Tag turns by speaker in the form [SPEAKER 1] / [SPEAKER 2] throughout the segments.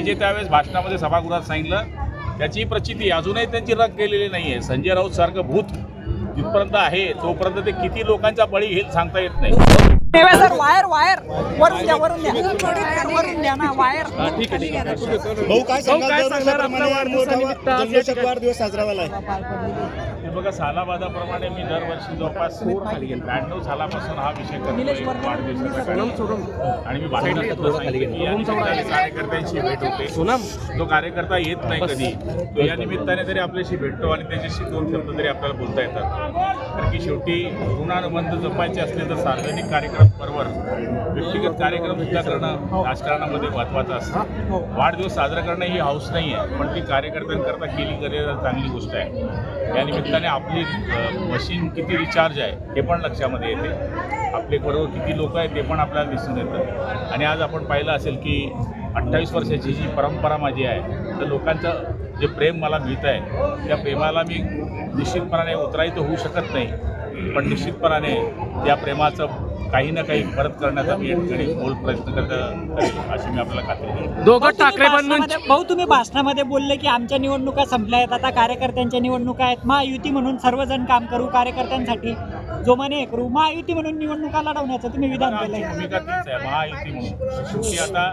[SPEAKER 1] जे त्यावेळेस भाषणामध्ये सभागृहात सांगितलं त्याची प्रचिती अजूनही त्यांची रग गेलेली नाही आहे. संजय राऊत सारखं भूत जिथपर्यंत आहे तोपर्यंत ते किती लोकांचा बळी घेईल सांगता येत नाही.
[SPEAKER 2] सर वायर वायर वरून द्या ना वायर.
[SPEAKER 3] ठीक आहे.
[SPEAKER 4] भाऊ काय सांगाल वाढदिवस साजरा झाला
[SPEAKER 1] हे बघा सालाबादाप्रमाणे मी दरवर्षी जवळपास 92 सालापासून हा विषय करतो आणि मी कार्यकर्त्यांशी भेट होते. जो कार्यकर्ता येत नाही कधी तो या निमित्ताने तरी आपल्याशी भेटतो आणि त्याच्याशी 2 शब्द तरी आपल्याला बोलता येतात. कारण की शेवटी ऋणानुबंध जपायचे असले तर सार्वजनिक कार्यक्रम बरोबर व्यक्तिगत कार्यक्रम सुद्धा करणं राजकारणामध्ये महत्त्वाचं असतं. वाढदिवस साजरा करणं ही हौस नाही आहे पण ती कार्यकर्त्यांकरता केली तर चांगली गोष्ट आहे. या निमित्ताने आपली मशीन किती रिचार्ज आहे हे पण लक्षामध्ये येते. आपले बरोबर किती लोक आहेत ते पण आपल्याला दिसून येतं. आणि आज आपण पाहिलं असेल की 28 वर्षाची जी परंपरा माझी आहे तर लोकांचं जे प्रेम मला मिळतं आहे त्या प्रेमाला मी निश्चितपणाने उतराई तर होऊ शकत नाही पण निश्चितपणाने त्या प्रेमाचं काही ना काही परत करण्याचा मी या ठिकाणी बोल प्रयत्न करत अशी मी आपल्याला खात्री देतो.
[SPEAKER 2] दोघं ठाकरे भाऊ तुम्ही भाषणामध्ये बोलले की आमच्या निवडणुका संपल्या आहेत आता कार्यकर्त्यांच्या निवडणुका आहेत. महायुती म्हणून सर्वजण काम करू कार्यकर्त्यांसाठी जोमाने हे करू महायुती म्हणून निवडणुका लढवण्याचं तुम्ही विधान केलंय.
[SPEAKER 1] भूमिका तीच आहे महायुती म्हणून. शेवटी आता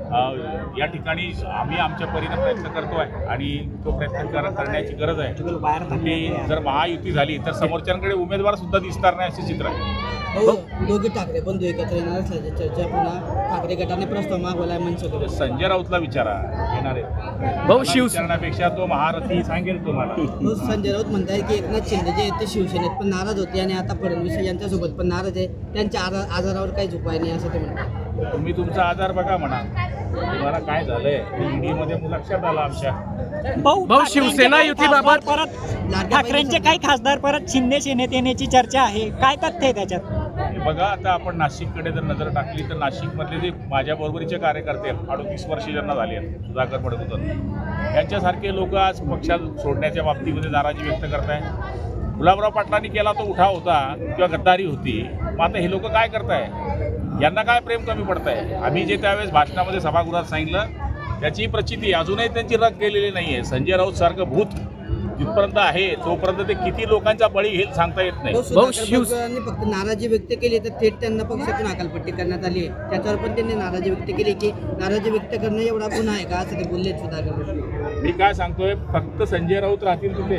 [SPEAKER 1] या ठिकाणी आम्ही आमच्या परीने प्रयत्न करतो आहे आणि तो प्रयत्न करण्याची गरज आहे. की जर महायुती झाली तर समोरच्यांकडे उमेदवार सुद्धा दिसणार नाही असे चित्र आहे.
[SPEAKER 5] दोघे ठाकरे बंधू एकत्र येणार असल्याची चर्चा पुन्हा ठाकरे गटाने प्रस्ताव मागवलाय मनसेकडे.
[SPEAKER 1] संजय राऊतला विचारा येणार आहे
[SPEAKER 3] भाऊ
[SPEAKER 1] विचारण्यापेक्षा तो महारथी सांगेल तुम्हाला.
[SPEAKER 5] संजय राऊत म्हणताय की एकनाथ शिंदे जे आहेत ते शिवसेनेत पण नाराज होते आणि आता फडणवीस यांच्यासोबत पण नाराज आहे. त्यांच्या आजारावर काहीच उपाय नाही असं ते म्हणतात.
[SPEAKER 1] तुम्ही तुमचा आजार बघा म्हणा तुम्हाला काय झालंय ईडी मध्ये लक्षात आलं आमच्या.
[SPEAKER 3] भाऊ शिवसेना युतीबाबत
[SPEAKER 2] परत ठाकरेंचे काही खासदार परत शिंदे सेनेत येण्याची चर्चा आहे. काय तथ्य आहे त्याच्यात?
[SPEAKER 1] बघा आता आपण नाशिककडे जर नजर टाकली तर नाशिकमधले जे माझ्या बरोबरीचे कार्यकर्ते 38 वर्षे ज्यांना झाली आहेत सुधाकर पडत यांच्यासारखे लोक आज पक्षात सोडण्याच्या बाबतीमध्ये नाराजी व्यक्त करताय. गुलाबराव पाटलांनी केला तो उठाव होता किंवा गद्दारी होती. मग आता हे लोक काय करताय यांना काय प्रेम कमी पडतंय. आम्ही जे त्यावेळेस भाषणामध्ये सभागृहात सांगितलं त्याची प्रचिती अजूनही त्यांची रग गेलेली नाही आहे. संजय राऊत सारखं भूत जिथपर्यंत आहे तोपर्यंत ते किती लोकांचा बळी घेईल सांगता येत नाही.
[SPEAKER 5] शिवसेनेने फक्त नाराजी व्यक्त केली तर थेट त्यांना पक्षातून हकालपट्टी करण्यात आली आहे. त्याच्यावर पण त्यांनी नाराजी व्यक्त केली की नाराजी व्यक्त करणं एवढा गुन्हा आहे का असं ते बोलले सुधाकर.
[SPEAKER 1] मी काय सांगतोय फक्त संजय राऊत राहतील तिथे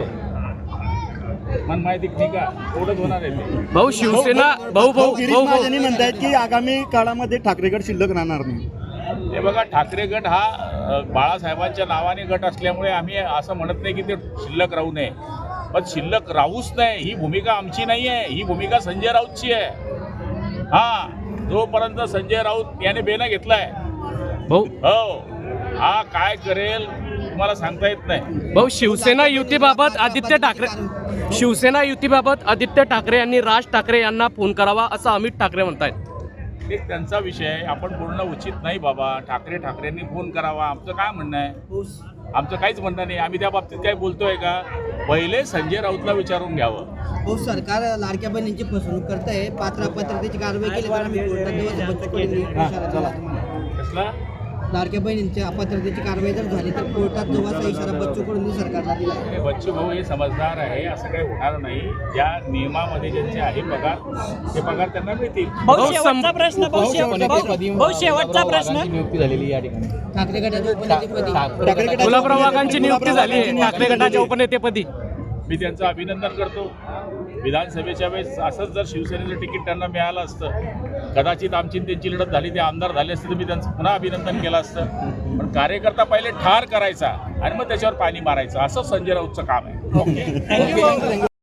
[SPEAKER 1] मन माहिती नाही का एवढंच होणार आहे ते.
[SPEAKER 3] भाऊ शिवसेना भाऊ
[SPEAKER 4] म्हणतायत की आगामी काळामध्ये ठाकरे गट शिल्लक राहणार नाही.
[SPEAKER 1] हे बघा ठाकरे गट हा बाळासाहेबांच्या नावाने गट असल्यामुळे आम्ही असं म्हणत नाही की ते शिल्लक राहू नये पण शिल्लक राहूच नाही ही भूमिका आमची नाही आहे. ही भूमिका संजय राऊतची आहे. हा जोपर्यंत संजय राऊत याने बेना घेतलाय
[SPEAKER 3] भाऊ
[SPEAKER 1] हो हा काय करेल तुम्हाला सांगता येत नाही.
[SPEAKER 3] भाऊ शिवसेना युतीबाबत आदित्य ठाकरे यांनी राज ठाकरे यांना फोन करावा असं अमित ठाकरे म्हणतायत.
[SPEAKER 1] एक त्यांचा विषय आहे आपण बोलणं उचित नाही बाबा. ठाकरेंनी फोन करावा आमचं काय म्हणणं आहे. आमचं काहीच म्हणणं नाही. आम्ही त्या बाबतीत काय बोलतोय का पहिले संजय राऊतला विचारून घ्यावं.
[SPEAKER 5] हो सरकार लाडक्या बहिणींची फसवणूक करत आहे. पात्रतेची कारवाई केली तर आम्ही
[SPEAKER 1] कसला
[SPEAKER 5] लाडक्या बहिणींच्या अपात्रतेची कारवाई जर झाली तर कोर्टात जोवाचा इशारा बच्चू कडूंनी सरकारला दिला.
[SPEAKER 1] बच्चू भाऊ हे समजदार आहे असं काही होणार नाही. ज्या नियमामध्ये ज्यांचे आहे पगार ते पगार त्यांना मिळतील.
[SPEAKER 2] शेवटचा प्रश्न शेवटचा प्रश्न
[SPEAKER 6] नियुक्ती झालेली या ठिकाणी
[SPEAKER 5] ठाकरे गटाच्या उपनेतेपदी
[SPEAKER 3] गुलाबराव वाघांची नियुक्ती झाली आहे ठाकरे गटाच्या उपनेतेपदी.
[SPEAKER 1] मी त्यांचं अभिनंदन करतो. विधानसभेच्या वेळेस असंच जर शिवसेनेचं तिकीट त्यांना मिळालं असतं कदाचित आमची त्यांची लढत झाली ते आमदार झाले असते तर मी त्यांचं पुन्हा अभिनंदन केलं असतं. पण कार्यकर्ता पहिले ठार करायचा आणि मग त्याच्यावर पाणी मारायचं असं संजय राऊतचं काम आहे.